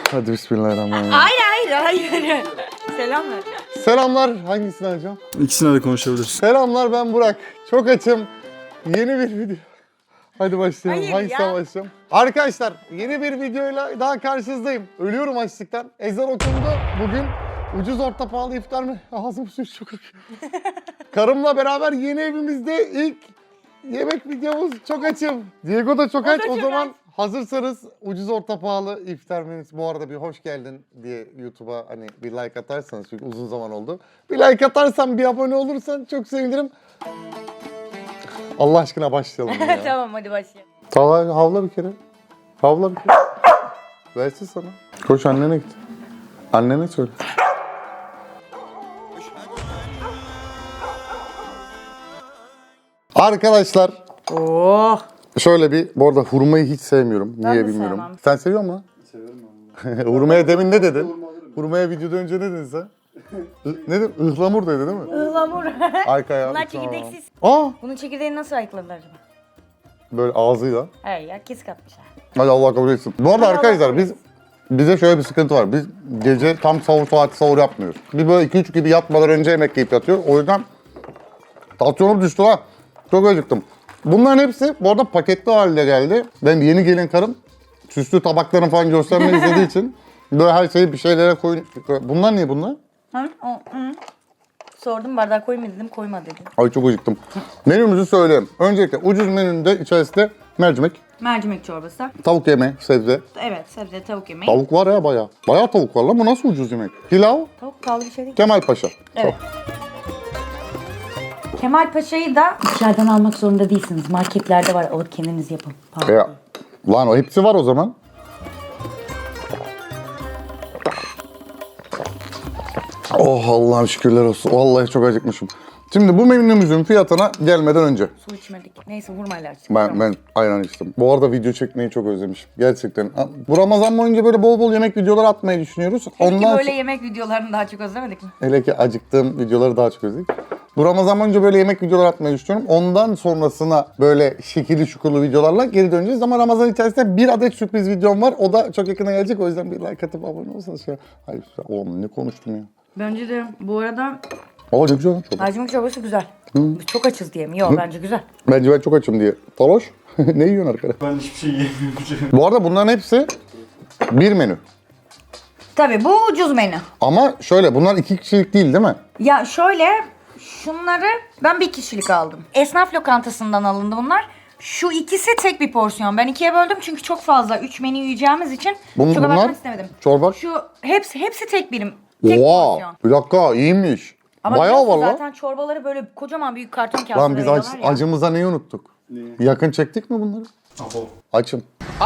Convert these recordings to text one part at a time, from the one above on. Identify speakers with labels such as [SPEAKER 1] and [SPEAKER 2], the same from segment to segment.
[SPEAKER 1] Hadi bismillahirrahmanirrahim.
[SPEAKER 2] Hayır. Selamlar.
[SPEAKER 1] Selamlar. Hangisini alacağım?
[SPEAKER 3] İkisine de konuşabiliriz.
[SPEAKER 1] Selamlar, ben Burak. Çok açım. Yeni bir video. Hadi başlayalım.
[SPEAKER 2] Hayır
[SPEAKER 1] Hangisinden
[SPEAKER 2] ya.
[SPEAKER 1] başlayalım? Arkadaşlar, yeni bir videoyla daha karşınızdayım. Ölüyorum açlıktan. Ezan okundu. Bugün ucuz orta pahalı iftar mı? Ağzım suyu çok akıyor. Karımla beraber yeni evimizde ilk yemek videomuz. Çok açım. Diego da çok aç. O zaman hazırsanız ucuz orta pahalı iftar menüsü. Bu arada bir hoş geldin diye YouTube'a hani bir like atarsanız, çünkü uzun zaman oldu. Bir like atarsan, bir abone olursan çok sevinirim. Allah aşkına başlayalım ya.
[SPEAKER 2] Tamam hadi başlayalım.
[SPEAKER 1] Talha havla bir kere. Havla bir kere. Versin sana. Koş annene git. Annene söyle. Arkadaşlar
[SPEAKER 2] Oh.
[SPEAKER 1] şöyle bir, bu arada hurmayı hiç sevmiyorum.
[SPEAKER 2] Ben
[SPEAKER 1] Niye
[SPEAKER 2] de
[SPEAKER 1] bilmiyorum.
[SPEAKER 2] sevmem.
[SPEAKER 1] Sen seviyor musun?
[SPEAKER 3] Severim
[SPEAKER 1] Seviyorum. Hurmaya demin ne dedin? Hurmaya videodan önce ne dedin sen? Ne dedin? Ihlamur dedi değil mi?
[SPEAKER 2] Ihlamur.
[SPEAKER 1] Arkaya.
[SPEAKER 2] Bunlar çekirdeksiz.
[SPEAKER 1] Aa!
[SPEAKER 2] Bunun çekirdeğini nasıl ayıkladılar acaba?
[SPEAKER 1] Böyle ağzıyla.
[SPEAKER 2] Hayır ya kes katmışlar.
[SPEAKER 1] Hadi Allah kabul etsin. Bu arada arkadaşlar bize şöyle bir sıkıntı var. Biz gece tam sahur saati sahur yapmıyoruz. Bir böyle 2-3 gibi yatmadan önce yemek yiyip yatıyor. O yüzden tansiyonum düştü ha. Çok acıktım. Bunların hepsi bu arada paketli halde geldi. Benim yeni gelin karım süslü tabaklarını falan göstermeyi istediği için böyle her şeyi bir şeylere koyun. Bunlar niye bunlar?
[SPEAKER 2] Hı? Sordum bardağı koyma dedim koyma dedi.
[SPEAKER 1] Ay çok acıktım. Menümüzü söyleyeyim. Öncelikle ucuz menünde içerisinde mercimek,
[SPEAKER 2] Mercimek çorbası.
[SPEAKER 1] tavuk yemeği, sebze.
[SPEAKER 2] Evet sebze tavuk yemeği.
[SPEAKER 1] Tavuk var ya bayağı. Bayağı tavuk var lan, bu nasıl ucuz yemek? Pilav,
[SPEAKER 2] Tavuk pahalı bir şey değil.
[SPEAKER 1] Kemal Paşa.
[SPEAKER 2] Evet. Kemal Paşa'yı da dışarıdan almak zorunda değilsiniz. Marketlerde var, alıp kendiniz yapın. Pahalı.
[SPEAKER 1] Ya, lan o hepsi var o zaman. Oh Allah'ım şükürler olsun. Vallahi çok acıkmışım. Şimdi bu menümüzün fiyatına gelmeden önce
[SPEAKER 2] Su içmedik. Neyse hurmayla açtık.
[SPEAKER 1] ben ayran içtim. Bu arada video çekmeyi çok özlemişim. Gerçekten. Bu Ramazan boyunca böyle bol bol yemek videoları atmayı düşünüyoruz.
[SPEAKER 2] Peki böyle
[SPEAKER 1] sonra-
[SPEAKER 2] yemek videolarını daha çok özlemedik mi?
[SPEAKER 1] Hele ki acıktığım videoları daha çok özledik. Bu Ramazan boyunca böyle yemek videoları atmayı düşünüyorum. Ondan sonrasına böyle şekilli şukurlu videolarla geri döneceğiz. Ama Ramazan içerisinde bir adet sürpriz videom var. O da çok yakına gelecek. O yüzden bir like atıp abone olsanız. Hayır, oğlum ne konuştum ya.
[SPEAKER 2] Bence de bu arada
[SPEAKER 1] Aa ne güzel lan çorba.
[SPEAKER 2] mercimek çorbası güzel. Biz çok açız diye mi? Yok bence güzel.
[SPEAKER 1] Bence ben çok açım diye. Taloş, ne yiyorsun arkada?
[SPEAKER 3] Ben hiçbir şey yiyemiyorum.
[SPEAKER 1] Bu arada bunların hepsi bir menü.
[SPEAKER 2] Tabii bu ucuz menü.
[SPEAKER 1] Ama şöyle, bunlar 2 kişilik değil mi?
[SPEAKER 2] Ya şöyle şunları ben bir kişilik aldım. Esnaf lokantasından alındı bunlar. Şu ikisi tek bir porsiyon. Ben ikiye böldüm çünkü çok fazla 3 menü yiyeceğimiz için çok
[SPEAKER 1] Bunlar
[SPEAKER 2] abartmak istemedim.
[SPEAKER 1] çorba.
[SPEAKER 2] Şu hepsi tek birim. Tek
[SPEAKER 1] Oha!
[SPEAKER 2] porsiyon.
[SPEAKER 1] Bir dakika, iyiymiş.
[SPEAKER 2] Ama
[SPEAKER 1] Bayağı var
[SPEAKER 2] biliyorsun
[SPEAKER 1] lan.
[SPEAKER 2] zaten çorbaları böyle kocaman büyük karton kağıtlara
[SPEAKER 1] Lan biz
[SPEAKER 2] veriyorlar ya.
[SPEAKER 1] acımıza neyi unuttuk?
[SPEAKER 3] Neyi?
[SPEAKER 1] Yakın çektik mi bunları?
[SPEAKER 3] Abo.
[SPEAKER 1] Açım.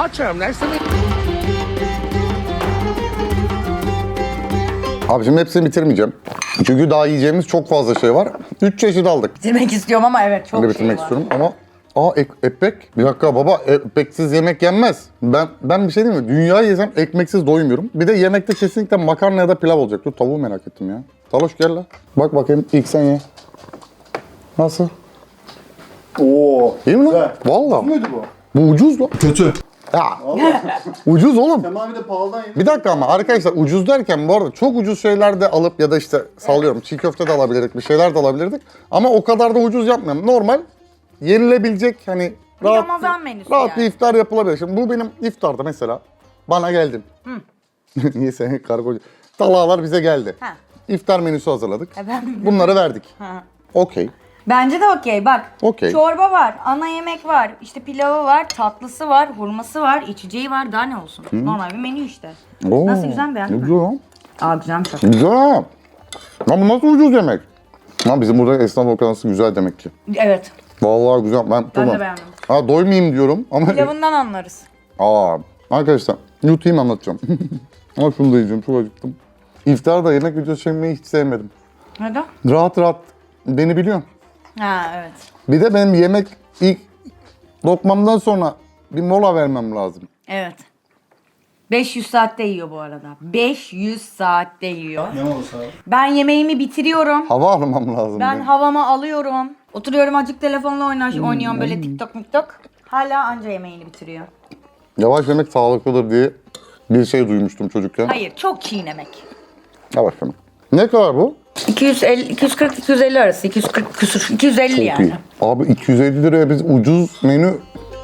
[SPEAKER 1] Abi şimdi hepsini bitirmeyeceğim. Çünkü daha yiyeceğimiz çok fazla şey var. 3 çeşit aldık.
[SPEAKER 2] Bitirmek istiyorum ama evet çok
[SPEAKER 1] Ben de
[SPEAKER 2] şey
[SPEAKER 1] bitirmek
[SPEAKER 2] var.
[SPEAKER 1] istiyorum ama ekmek. Bir dakika baba, ekmeksiz yemek yenmez. Ben bir şey diyeyim mi? Dünyayı yesem ekmeksiz doymuyorum. Bir de yemekte kesinlikle makarna ya da pilav olacak. Dur tavuğu merak ettim ya. Taloş gel lan. Bak bakayım ilk sen ye. Nasıl?
[SPEAKER 3] Oo.
[SPEAKER 1] İyi mi lan?
[SPEAKER 3] Güzel.
[SPEAKER 1] Valla.
[SPEAKER 3] Muydu bu?
[SPEAKER 1] Bu ucuz lan.
[SPEAKER 3] Kötü.
[SPEAKER 1] Ya
[SPEAKER 3] Vallahi.
[SPEAKER 1] ucuz oğlum.
[SPEAKER 3] Tamam bir de pahalıdan yedim.
[SPEAKER 1] Bir dakika ama arkadaşlar, ucuz derken bu arada çok ucuz şeyler de alıp ya da işte sallıyorum çiğ köfte de alabilirdik, bir şeyler de alabilirdik. Ama o kadar da ucuz yapmıyorum. Normal yenilebilecek hani
[SPEAKER 2] Bir
[SPEAKER 1] rahat,
[SPEAKER 2] Ramazan menüsü
[SPEAKER 1] rahat
[SPEAKER 2] yani.
[SPEAKER 1] bir iftar yapılabilir. Şimdi bu benim iftarda mesela bana geldin. Niye sen kargocu? Talhalar bize geldi.
[SPEAKER 2] Ha.
[SPEAKER 1] İftar menüsü hazırladık.
[SPEAKER 2] Ben...
[SPEAKER 1] Bunları verdik.
[SPEAKER 2] Ha.
[SPEAKER 1] Okey.
[SPEAKER 2] Bence de okey bak.
[SPEAKER 1] Okey.
[SPEAKER 2] Çorba var, ana yemek var, işte pilavı var, tatlısı var, hurması var, içeceği var. Daha ne olsun? Normal bir menü işte.
[SPEAKER 1] Oo,
[SPEAKER 2] Nasıl, güzel mi, beğendin
[SPEAKER 1] ne
[SPEAKER 2] mi?
[SPEAKER 1] güzel lan.
[SPEAKER 2] Aa güzelmiş.
[SPEAKER 1] Güzel ha. Lan bu nasıl ucuz yemek? Lan bizim burada esnaf lokantası güzel demek ki.
[SPEAKER 2] Evet.
[SPEAKER 1] Vallahi güzel. Ben
[SPEAKER 2] de beğendim.
[SPEAKER 1] Ha doymayayım diyorum ama...
[SPEAKER 2] Pilavından anlarız.
[SPEAKER 1] Arkadaşlar yutayım anlatacağım. Ama şunu da yiyeceğim, çok acıktım. İftarda yemek videosu çekmeyi hiç sevmedim.
[SPEAKER 2] Neden?
[SPEAKER 1] Rahat rahat beni biliyorsun.
[SPEAKER 2] Ha evet.
[SPEAKER 1] Bir de benim yemek ilk lokmamdan sonra bir mola vermem lazım.
[SPEAKER 2] Evet. 500 saatte yiyor bu arada. 500 saatte yiyor.
[SPEAKER 3] Ne olursa abi.
[SPEAKER 2] Ben yemeğimi bitiriyorum.
[SPEAKER 1] Hava almam lazım.
[SPEAKER 2] Ben
[SPEAKER 1] benim.
[SPEAKER 2] havamı alıyorum. Oturuyorum azıcık telefonla oynuyorum böyle TikTok. Hala anca yemeğini bitiriyor.
[SPEAKER 1] Yavaş yemek sağlıklıdır diye bir şey duymuştum çocukken.
[SPEAKER 2] Hayır, çok çiğnemek.
[SPEAKER 1] Ha bakalım. Ne kadar bu?
[SPEAKER 2] 250, 240 250 arası. 240 küsur. 250
[SPEAKER 1] Çok
[SPEAKER 2] yani.
[SPEAKER 1] iyi. Abi 250 liraya biz ucuz menü...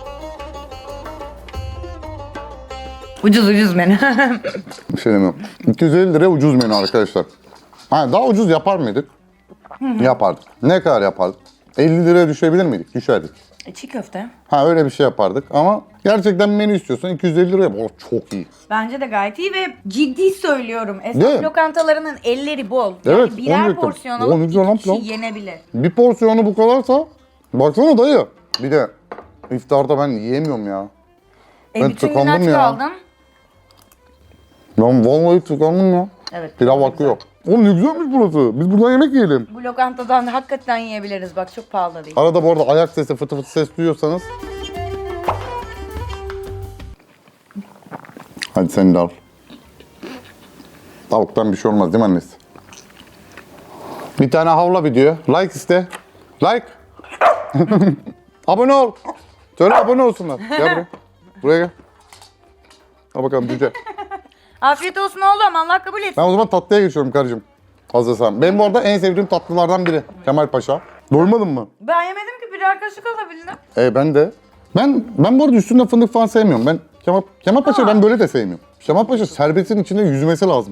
[SPEAKER 2] Ucuz menü.
[SPEAKER 1] Bir şey demiyorum. 250 liraya ucuz menü arkadaşlar. Ha, daha ucuz yapar mıydık? Yapardık. Ne kadar yapardık? 50 liraya düşebilir miydik? Düşerdik.
[SPEAKER 2] Çiğ köfte.
[SPEAKER 1] Ha, öyle bir şey yapardık ama gerçekten menü istiyorsan 250 liraya çok iyi.
[SPEAKER 2] Bence de gayet iyi ve ciddi söylüyorum.
[SPEAKER 1] Değil
[SPEAKER 2] Esnaf
[SPEAKER 1] mi?
[SPEAKER 2] lokantalarının elleri bol.
[SPEAKER 1] Evet,
[SPEAKER 2] Yani birer
[SPEAKER 1] onu
[SPEAKER 2] porsiyon
[SPEAKER 1] diyecektim.
[SPEAKER 2] alıp
[SPEAKER 1] O güzel lan
[SPEAKER 2] iki kişi
[SPEAKER 1] plan.
[SPEAKER 2] yenebilir.
[SPEAKER 1] Bir porsiyonu bu kadarsa baksana dayı. Bir de iftarda ben yiyemiyorum ya. Ben
[SPEAKER 2] Bütün gün
[SPEAKER 1] tıkandım
[SPEAKER 2] aç
[SPEAKER 1] ya.
[SPEAKER 2] kaldın.
[SPEAKER 1] Ben vallahi tıkandım ya.
[SPEAKER 2] Evet.
[SPEAKER 1] Pilav
[SPEAKER 2] çok
[SPEAKER 1] akıyor. Oğlum ne güzelmiş burası. Biz buradan yemek yiyelim.
[SPEAKER 2] güzel. Bu lokantadan da hakikaten yiyebiliriz. Bak çok pahalı değil.
[SPEAKER 1] Arada bu arada ayak sesi, fıtı fıtı ses duyuyorsanız. Hadi sen de al. Tavuktan bir şey olmaz değil mi annesi? Bir tane havla video. Like iste. Like. Abone ol. Söyle abone olsunlar. Gel buraya. Buraya gel. Al bakalım cüce.
[SPEAKER 2] Afiyet olsun oğlum. Allah kabul etsin.
[SPEAKER 1] Ben o zaman tatlıya geçiyorum karıcığım. Hazırsan. Benim bu arada en sevdiğim tatlılardan biri. Kemal Paşa. Doymadın mı?
[SPEAKER 2] Ben yemedim ki birer kaşık alabildim.
[SPEAKER 1] Ben de. Ben bu arada üstünde fındık falan sevmiyorum. Ben Kemal Paşa ben böyle de sevmiyorum. Kemal Paşa şerbetin içinde yüzmesi lazım.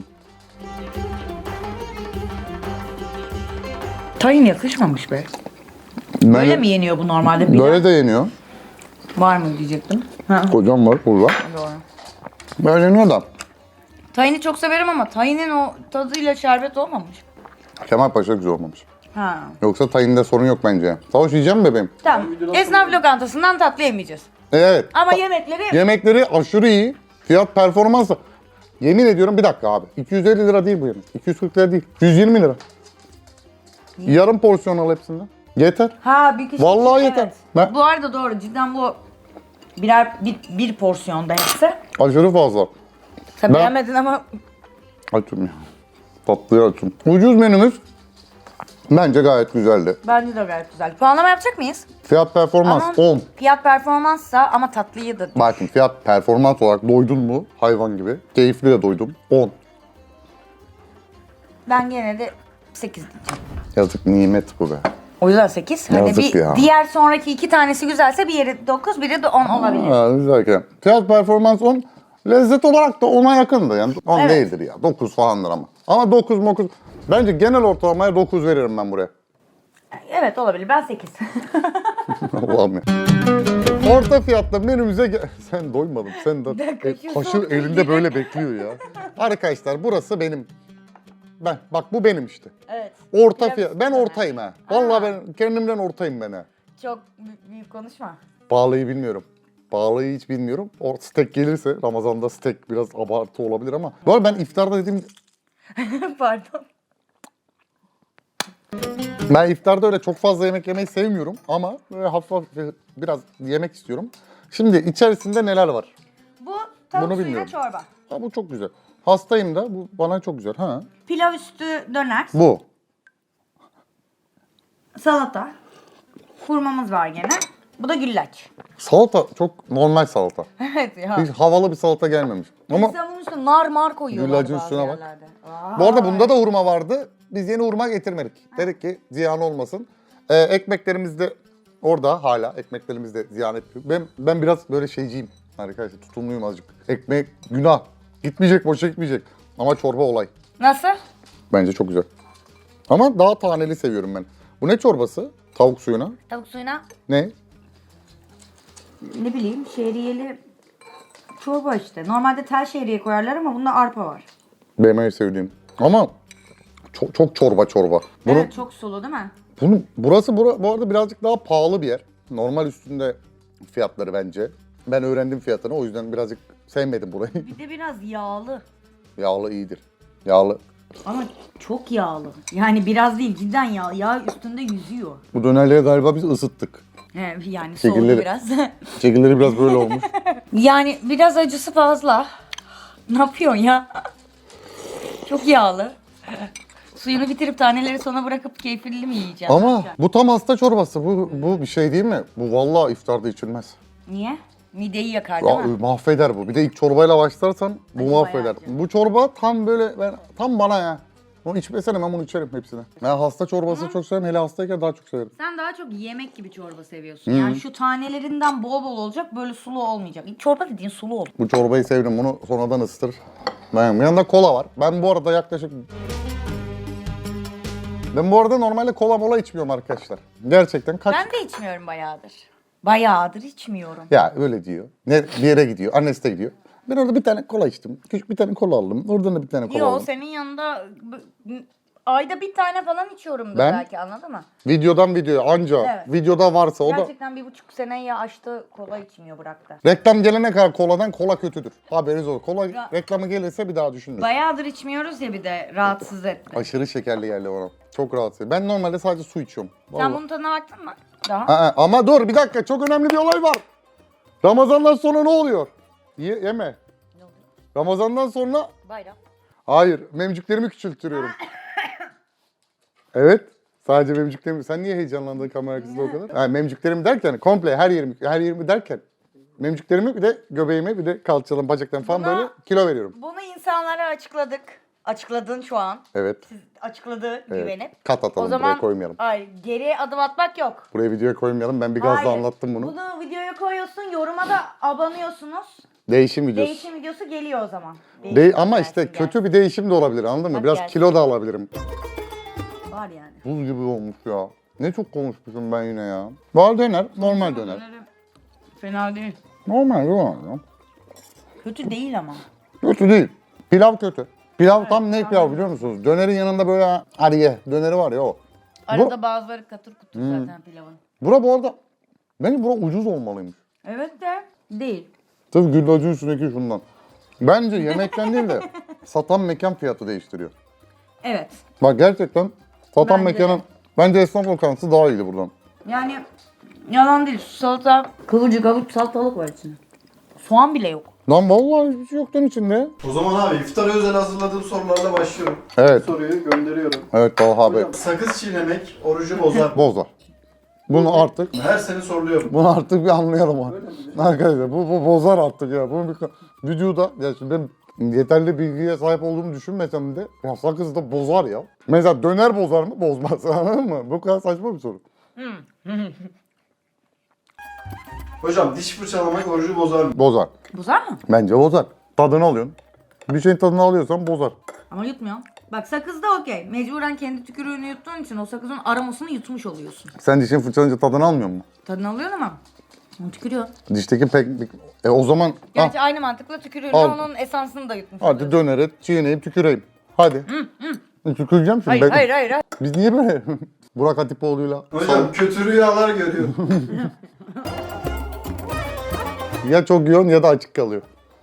[SPEAKER 2] Tayin yakışmamış be. Böyle mi yeniyor bu normalde?
[SPEAKER 1] Böyle de yeniyor.
[SPEAKER 2] Var mı diyecektim. Ha.
[SPEAKER 1] Kocam var burada.
[SPEAKER 2] Doğru.
[SPEAKER 1] Böyle yeniyor da.
[SPEAKER 2] Tayini çok severim ama tayinin o tadıyla şerbet olmamış.
[SPEAKER 1] Kemal Paşa güzel olmamış.
[SPEAKER 2] Ha.
[SPEAKER 1] Yoksa tayinde sorun yok bence. Savaş yiyeceğim mi bebeğim?
[SPEAKER 2] Tamam. Esnaf lokantasından tatlı yemeyeceğiz.
[SPEAKER 1] Evet.
[SPEAKER 2] Ama yemekleri
[SPEAKER 1] Yemekleri aşırı iyi. Fiyat performans da. Yemin ediyorum bir dakika abi. 250 lira değil bu yemek. 240 lira değil. 120 lira. Yarım porsiyon al hepsinden. Yeter.
[SPEAKER 2] ha bir kişi.
[SPEAKER 1] Vallahi
[SPEAKER 2] evet.
[SPEAKER 1] yeter. Ben-
[SPEAKER 2] Bu arada doğru cidden bu bir porsiyonda hepsi.
[SPEAKER 1] Aşırı fazla.
[SPEAKER 2] Sen
[SPEAKER 1] Ben-
[SPEAKER 2] beğenmedin ama
[SPEAKER 1] Açım ya. Tatlıyı açım. Ucuz menümüz bence gayet güzeldi.
[SPEAKER 2] bence de gayet güzel. Puanlama yapacak mıyız?
[SPEAKER 1] Fiyat performans
[SPEAKER 2] Ama
[SPEAKER 1] 10.
[SPEAKER 2] fiyat performanssa ama tatlıyı da.
[SPEAKER 1] Bakın fiyat performans olarak doydun mu hayvan gibi. Keyifli de doydum. 10.
[SPEAKER 2] Ben gene de 8 diyeceğim.
[SPEAKER 1] Yazık nimet bu be.
[SPEAKER 2] O yüzden 8. Hani
[SPEAKER 1] Yazık
[SPEAKER 2] bir
[SPEAKER 1] ya.
[SPEAKER 2] diğer sonraki iki tanesi güzelse biri 9, biri de 10 olabilir.
[SPEAKER 1] Ha, güzelken. Fiyat performans 10. Lezzet olarak da 10'a yakındı yani. 10
[SPEAKER 2] Evet.
[SPEAKER 1] değildir ya. 9 falandır ama. Ama 9. Bence genel ortalamaya 9 veririm ben buraya.
[SPEAKER 2] Evet olabilir. Ben 8.
[SPEAKER 1] Allah'ım ya. Orta fiyatla menümüze sen doymadın. Sen de
[SPEAKER 2] dakika, şu
[SPEAKER 1] kaşı
[SPEAKER 2] soğuk
[SPEAKER 1] elinde böyle bekliyor ya. Arkadaşlar burası benim. Bak bu benim işte.
[SPEAKER 2] Evet.
[SPEAKER 1] Orta
[SPEAKER 2] Biraz
[SPEAKER 1] fiyat. Ben
[SPEAKER 2] üstüne.
[SPEAKER 1] ortayım ha. Vallahi ben kendimden ortayım ben ha.
[SPEAKER 2] Çok büyük konuşma.
[SPEAKER 1] Pahalıyı bilmiyorum. Pahalıyı hiç bilmiyorum. O steak gelirse Ramazan'da steak biraz abartı olabilir ama. Bu arada ben iftarda dediğim
[SPEAKER 2] Pardon.
[SPEAKER 1] ben iftarda öyle çok fazla yemek yemeyi sevmiyorum ama böyle hafif hafif biraz yemek istiyorum. Şimdi içerisinde neler var?
[SPEAKER 2] Bu tavuk
[SPEAKER 1] Bunu
[SPEAKER 2] suyuna
[SPEAKER 1] bilmiyorum.
[SPEAKER 2] çorba.
[SPEAKER 1] Ha, bu çok güzel. Hastayım da bu bana çok güzel. Ha.
[SPEAKER 2] Pilav üstü döner.
[SPEAKER 1] Bu.
[SPEAKER 2] Salata. Hurmamız var gene. Bu da güllaç.
[SPEAKER 1] Salata çok normal salata.
[SPEAKER 2] Evet ya.
[SPEAKER 1] Hiç havalı bir salata gelmemiş. Ama
[SPEAKER 2] İnsan bunun üstüne nar mar koyuyorlar
[SPEAKER 1] Güllacın
[SPEAKER 2] bazı
[SPEAKER 1] üstüne bak.
[SPEAKER 2] yerlerde.
[SPEAKER 1] bu arada bunda da hurma vardı. Biz yeni hurma getirmedik. Dedik ki ziyan olmasın. Ekmeklerimiz de orada hala. Ekmeklerimiz de ziyan etmiyor. Ben biraz böyle şeyciyim arkadaşlar. Tutumluyum azıcık. Ekmek günah. Gitmeyecek, boşa gitmeyecek. Ama çorba olay.
[SPEAKER 2] Nasıl?
[SPEAKER 1] Bence çok güzel. Ama daha taneli seviyorum ben. Bu ne çorbası? Tavuk suyuna.
[SPEAKER 2] Tavuk suyuna
[SPEAKER 1] Ne?
[SPEAKER 2] ne bileyim şehriyeli çorba işte. Normalde tel şehriye koyarlar ama bunda arpa var.
[SPEAKER 1] Benim en sevdiğim. Ama çok çorba.
[SPEAKER 2] Evet çok sulu değil mi?
[SPEAKER 1] Burası bu arada birazcık daha pahalı bir yer. Normal üstünde fiyatları bence. Ben öğrendim fiyatını o yüzden birazcık sevmedim burayı.
[SPEAKER 2] Bir de biraz yağlı.
[SPEAKER 1] Yağlı iyidir. Yağlı.
[SPEAKER 2] Ama çok yağlı. Yani biraz değil cidden yağ. Yağ üstünde yüzüyor.
[SPEAKER 1] Bu dönerleri galiba biz ısıttık.
[SPEAKER 2] Yani soğudu
[SPEAKER 1] Şekilleri-
[SPEAKER 2] biraz.
[SPEAKER 1] Şekilleri biraz böyle olmuş.
[SPEAKER 2] Yani biraz acısı fazla. Ne yapıyorsun ya? Çok yağlı. Suyunu bitirip taneleri sona bırakıp keyifli mi yiyeceksin?
[SPEAKER 1] Ama bu tam hasta çorbası. Bu bir şey değil mi? Bu vallahi iftarda içilmez.
[SPEAKER 2] Niye? Mideyi yakar değil mi?
[SPEAKER 1] Mahveder bu. Bir de ilk çorbayla başlarsan bu
[SPEAKER 2] Acı
[SPEAKER 1] mahveder.
[SPEAKER 2] bayağı acı.
[SPEAKER 1] Bu çorba tam böyle tam bana ya. Onu içmesene, ben bunu içerim hepsini. Ben hasta çorbası çok severim. Hele hastayken daha çok severim.
[SPEAKER 2] Sen daha çok yemek gibi çorba seviyorsun. Yani şu tanelerinden bol bol olacak, böyle sulu olmayacak. Çorba dediğin sulu olur.
[SPEAKER 1] Bu çorbayı sevdim. Bunu sonradan ısıtır. Yanında kola var. Ben bu arada yaklaşık... Ben bu arada normalde kola mola içmiyorum arkadaşlar. Gerçekten kaç...
[SPEAKER 2] Ben de içmiyorum bayağıdır. Bayağıdır içmiyorum.
[SPEAKER 1] Ya öyle diyor. Ne bir yere gidiyor. Annesi de gidiyor. Ben orada bir tane kola içtim. Küçük bir tane kola aldım. Oradan da bir tane kola
[SPEAKER 2] Yo,
[SPEAKER 1] aldım.
[SPEAKER 2] senin yanında ayda bir tane falan içiyorumdur
[SPEAKER 1] Ben-
[SPEAKER 2] belki, anladın mı?
[SPEAKER 1] Videodan videoya anca.
[SPEAKER 2] Evet.
[SPEAKER 1] Videoda varsa o da...
[SPEAKER 2] Gerçekten 1,5 seneyi aştı, kola içmiyor, bıraktı.
[SPEAKER 1] Reklam gelene kadar koladan kola kötüdür. Haberiniz olur. Kola
[SPEAKER 2] Ya-
[SPEAKER 1] reklamı gelirse bir daha düşünürüz.
[SPEAKER 2] Bayağıdır içmiyoruz ya, bir de rahatsız etti.
[SPEAKER 1] Aşırı şekerli geldi bana. Çok rahatsız. Ben normalde sadece su içiyorum.
[SPEAKER 2] Sen
[SPEAKER 1] Vallahi.
[SPEAKER 2] bunun tadına baktın mı? Daha.
[SPEAKER 1] Aa, ama dur bir dakika, çok önemli bir olay var. Ramazandan sonra ne oluyor? Yeme.
[SPEAKER 2] Ne oluyor?
[SPEAKER 1] Ramazandan sonra
[SPEAKER 2] Bayram.
[SPEAKER 1] hayır, memcüklerimi küçültüyorum. Evet. Sadece memcüklerimi. Sen niye heyecanlandın kamera arkasında o kadar? Yani memcüklerimi derken komple her yerimi derken memcüklerimi, bir de göbeğimi, bir de kalçalarım, bacaklarım falan
[SPEAKER 2] Buna-
[SPEAKER 1] böyle kilo veriyorum.
[SPEAKER 2] Bunu insanlara açıkladık. Açıkladın şu an.
[SPEAKER 1] Evet.
[SPEAKER 2] Siz açıkladı
[SPEAKER 1] Evet.
[SPEAKER 2] güvenip.
[SPEAKER 1] Kat atalım,
[SPEAKER 2] O zaman
[SPEAKER 1] buraya koymayalım.
[SPEAKER 2] ay, geriye adım atmak yok.
[SPEAKER 1] Buraya videoya koymayalım. Ben bir gazla
[SPEAKER 2] Hayır.
[SPEAKER 1] anlattım bunu.
[SPEAKER 2] Bunu videoya koyuyorsun, yoruma da abanıyorsunuz.
[SPEAKER 1] Değişim videosu.
[SPEAKER 2] Değişim videosu geliyor o zaman. Değişim
[SPEAKER 1] Ama
[SPEAKER 2] gelsin,
[SPEAKER 1] işte
[SPEAKER 2] gelsin.
[SPEAKER 1] kötü bir değişim de olabilir, anladın mı?
[SPEAKER 2] Bak
[SPEAKER 1] Biraz
[SPEAKER 2] gelsin.
[SPEAKER 1] kilo da alabilirim.
[SPEAKER 2] Var yani.
[SPEAKER 1] Buz gibi olmuş ya. Ne çok konuşmuşum ben yine ya. Var döner, normal döner.
[SPEAKER 2] Fena değil.
[SPEAKER 1] Normal ya.
[SPEAKER 2] Kötü değil ama.
[SPEAKER 1] Kötü değil. Pilav kötü. Pilav tam ne pilav biliyor musunuz? Dönerin yanında böyle ariye döneri var ya o.
[SPEAKER 2] Arada bazıları katır kutur zaten pilavın.
[SPEAKER 1] Bura bu arada, bence bura ucuz olmalıymış.
[SPEAKER 2] Evet de değil.
[SPEAKER 1] Tabii güllacın üstündeki şundan. Bence yemekten değil de satan mekan fiyatı değiştiriyor.
[SPEAKER 2] Evet.
[SPEAKER 1] Bak gerçekten satan
[SPEAKER 2] Bence de.
[SPEAKER 1] mekanın, bence esnaf lokantası daha iyiydi buradan.
[SPEAKER 2] Yani yalan değil. Salata, kıvırcık alıp salatalık var içinde. Soğan bile yok.
[SPEAKER 1] Lan vallahi hiçbir şey yok lan içinde.
[SPEAKER 3] O zaman abi iftara özel hazırladığım sorularla başlıyorum.
[SPEAKER 1] Evet.
[SPEAKER 3] Soruyu gönderiyorum.
[SPEAKER 1] Evet Talha Bey.
[SPEAKER 3] Hocam sakız çiğnemek orucu bozar.
[SPEAKER 1] Bozar. Bunu artık
[SPEAKER 3] Her sene soruluyorum.
[SPEAKER 1] bir anlayalım ha. Arkadaşlar bu bozar artık ya. Bunu bir vücuda, ya şimdi ben yeterli bilgiye sahip olduğumu düşünmesem de ya sakız da bozar ya. Mesela döner bozar mı? Bozmaz. Anladın mı? Bu kadar saçma bir soru.
[SPEAKER 3] Hocam diş fırçalamak orucu bozar mı?
[SPEAKER 1] Bozar.
[SPEAKER 2] Bozar mı?
[SPEAKER 1] Bence bozar. Tadını alıyorsun. Bir şeyin tadını alıyorsan bozar.
[SPEAKER 2] Ama yutmuyor. Bak sakız da okey. Mecburen kendi tükürüğünü yuttuğun için o sakızın aromasını yutmuş oluyorsun.
[SPEAKER 1] Sen dişini fırçalayınca tadını almıyor musun?
[SPEAKER 2] Tadını alıyorsun ama. Onu tükürüyor.
[SPEAKER 1] Dişteki pek... o zaman...
[SPEAKER 2] Gerçi aynı mantıkla tükürüğünü
[SPEAKER 1] Al.
[SPEAKER 2] onun esansını da yutmuş
[SPEAKER 1] Hadi
[SPEAKER 2] oluyorsun.
[SPEAKER 1] döneri çiğneyip tüküreyim. Hadi. Tüküreceğim şimdi.
[SPEAKER 2] Hayır,
[SPEAKER 1] Ben-
[SPEAKER 2] hayır, hayır, hayır.
[SPEAKER 1] Biz niye böyle Burak Hatipoğlu'yla
[SPEAKER 3] Hocam kötü rüyalar görüyor.
[SPEAKER 1] ya çok yiyorsun ya da açık kalıyor.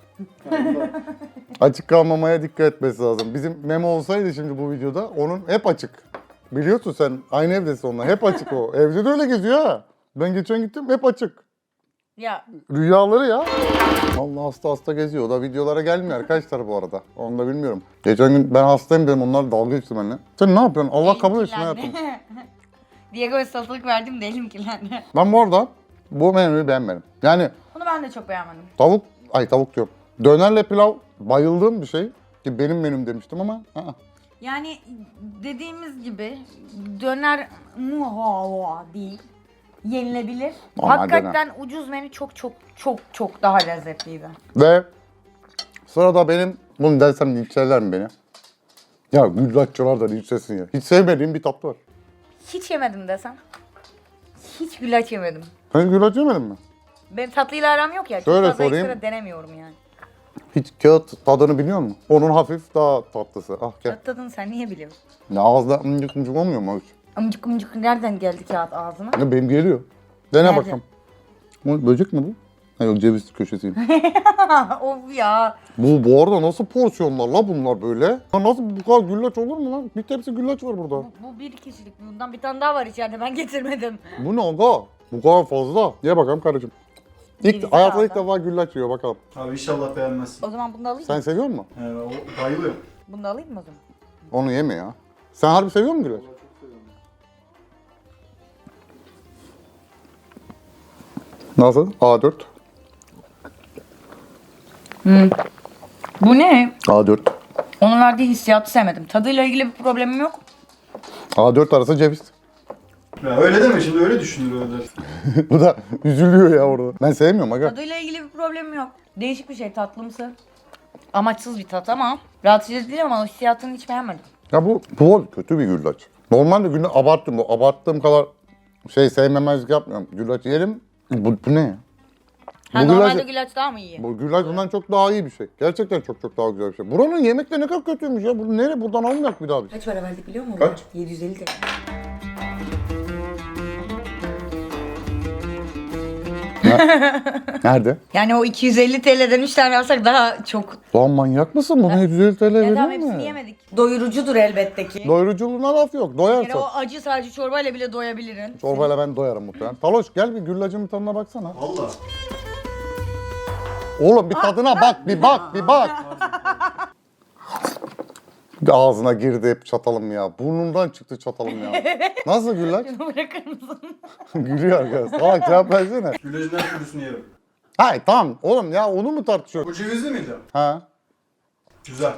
[SPEAKER 1] Açık kalmamaya dikkat etmesi lazım. Bizim Memo olsaydı şimdi bu videoda onun hep açık. Biliyorsun sen aynı evdesin onunla. Hep açık o. Evde de öyle geziyor ha. Ben geçen gittim hep açık.
[SPEAKER 2] Ya
[SPEAKER 1] Rüyaları ya. Allah hasta geziyor. O da videolara gelmiyor arkadaşlar bu arada. Onu da bilmiyorum. Geçen gün ben hastayım dedim, onlar dalga geçti benimle. Sen ne yapıyorsun? Allah kabul etsin hayatım.
[SPEAKER 2] Diego'ya salatalık verdim de elim kirlendi.
[SPEAKER 1] Ben bu arada bu menüyü beğenmedim. Yani
[SPEAKER 2] Bunu ben de çok beğenmedim.
[SPEAKER 1] tavuk diyorum. Dönerle pilav bayıldığım bir şey. Ki benim menüm demiştim ama.
[SPEAKER 2] Yani dediğimiz gibi döner muha değil. Yenilebilir.
[SPEAKER 1] Normal
[SPEAKER 2] Hakikaten ucuz menü çok daha lezzetliydi.
[SPEAKER 1] Ve sırada benim, bunu dersem linçlerler mi beni? Ya güllaççılar da linçlesin ya. Hiç sevmediğim bir tatlı var.
[SPEAKER 2] Hiç yemedim desem. Hiç güllaç yemedim.
[SPEAKER 1] Sen güllaç yemedin mi?
[SPEAKER 2] Benim tatlıyla aram yok ya. Çok
[SPEAKER 1] Şöyle
[SPEAKER 2] fazla
[SPEAKER 1] sorayım.
[SPEAKER 2] ekstra denemiyorum yani.
[SPEAKER 1] Hiç kağıt tadını biliyor musun? Onun hafif daha tatlısı. Ah gel.
[SPEAKER 2] Tat tadını sen niye biliyorsun?
[SPEAKER 1] Ya ağızda mıncık mıncık olmuyor mu hiç?
[SPEAKER 2] Amcık amcık nereden geldi kağıt ağzına?
[SPEAKER 1] Ya benim geliyor. Dene
[SPEAKER 2] Nerede?
[SPEAKER 1] bakalım. Bu böcek mi bu? Ha yok, ceviz köşesiyim.
[SPEAKER 2] Of ya.
[SPEAKER 1] Bu arada nasıl porsiyonlar la bunlar böyle? Ya nasıl bu kadar güllaç olur mu lan? Bir tepsi güllaç var burada.
[SPEAKER 2] Bu bir kişilik. Bundan bir tane daha var içeride. Ben getirmedim.
[SPEAKER 1] Bu ne aga? Bu kadar fazla. Ye bakalım karıcığım.
[SPEAKER 2] Cevizi
[SPEAKER 1] Hayatımda ilk
[SPEAKER 2] kaldı.
[SPEAKER 1] defa güllaç yiyor bakalım.
[SPEAKER 3] Abi inşallah beğenmezsin.
[SPEAKER 2] O zaman bunu da alayım
[SPEAKER 1] Sen
[SPEAKER 2] mı?
[SPEAKER 1] seviyor musun?
[SPEAKER 3] O bayılıyor.
[SPEAKER 2] Bunu da alayım mı o zaman?
[SPEAKER 1] Onu yeme ya. Sen harbi seviyor musun güllaç? Nasıl? A4.
[SPEAKER 2] Bu ne?
[SPEAKER 1] A4.
[SPEAKER 2] Onun verdiği hissiyatı sevmedim. Tadıyla ilgili bir problemim yok.
[SPEAKER 1] A4 arası ceviz.
[SPEAKER 3] Ya öyle deme şimdi öyle düşünür öyle.
[SPEAKER 1] Bu da üzülüyor ya orada. Ben sevmiyorum aga.
[SPEAKER 2] Tadıyla ilgili bir problemim yok. Değişik bir şey, tatlımsı. Amaçsız bir tat ama rahatsız edici değil ama hissiyatını hiç beğenmedim.
[SPEAKER 1] Ya bu kötü bir güllaç. Normalde güllaç abarttım. Bu abarttığım kadar sevmemezlik yapmıyorum. Güllaç yerim. Bu ne ya?
[SPEAKER 2] Ha,
[SPEAKER 1] Bu
[SPEAKER 2] normalde
[SPEAKER 1] güllaç-
[SPEAKER 2] güllaç daha mı iyi?
[SPEAKER 1] Bu güllaç bundan çok daha iyi bir şey. Gerçekten çok daha güzel bir şey. Buranın yemekleri ne kadar kötüymüş ya. Bu nereye buradan almayak bir daha biz.
[SPEAKER 2] Kaç para verdik biliyor musun?
[SPEAKER 3] Kaç?
[SPEAKER 2] 750 TL.
[SPEAKER 1] Nerede?
[SPEAKER 2] Yani o 250 TL'den 3 tane alsak daha çok.
[SPEAKER 1] Lan manyak mısın? Buna 750 TL
[SPEAKER 2] Ya
[SPEAKER 1] veriyor
[SPEAKER 2] tamam hepsini
[SPEAKER 1] mu?
[SPEAKER 2] yemedik. Doyurucudur elbette ki.
[SPEAKER 1] Doyuruculuğuna laf yok.
[SPEAKER 2] Yani
[SPEAKER 1] Doyarsın.
[SPEAKER 2] o acı sadece çorbayla bile doyabilirin.
[SPEAKER 1] Çorbayla ben doyarım muhtemelen. Taloş gel bir güllacın bir tadına baksana.
[SPEAKER 3] Valla.
[SPEAKER 1] Oğlum bir tadına bak, bir bak, bir bak. Ağzına girdi hep çatalım ya. Burnundan çıktı çatalım ya. Nasıl güllaç?
[SPEAKER 2] Şunu bırakır mısın?
[SPEAKER 1] Gülüyor arkadaş. Salak cevap versene.
[SPEAKER 3] Güllaçın her türlüsünü yerim.
[SPEAKER 1] Hayır tamam oğlum ya onu mu tartışıyor?
[SPEAKER 3] Bu cevizli miydi?
[SPEAKER 1] Ha?
[SPEAKER 3] Güzel.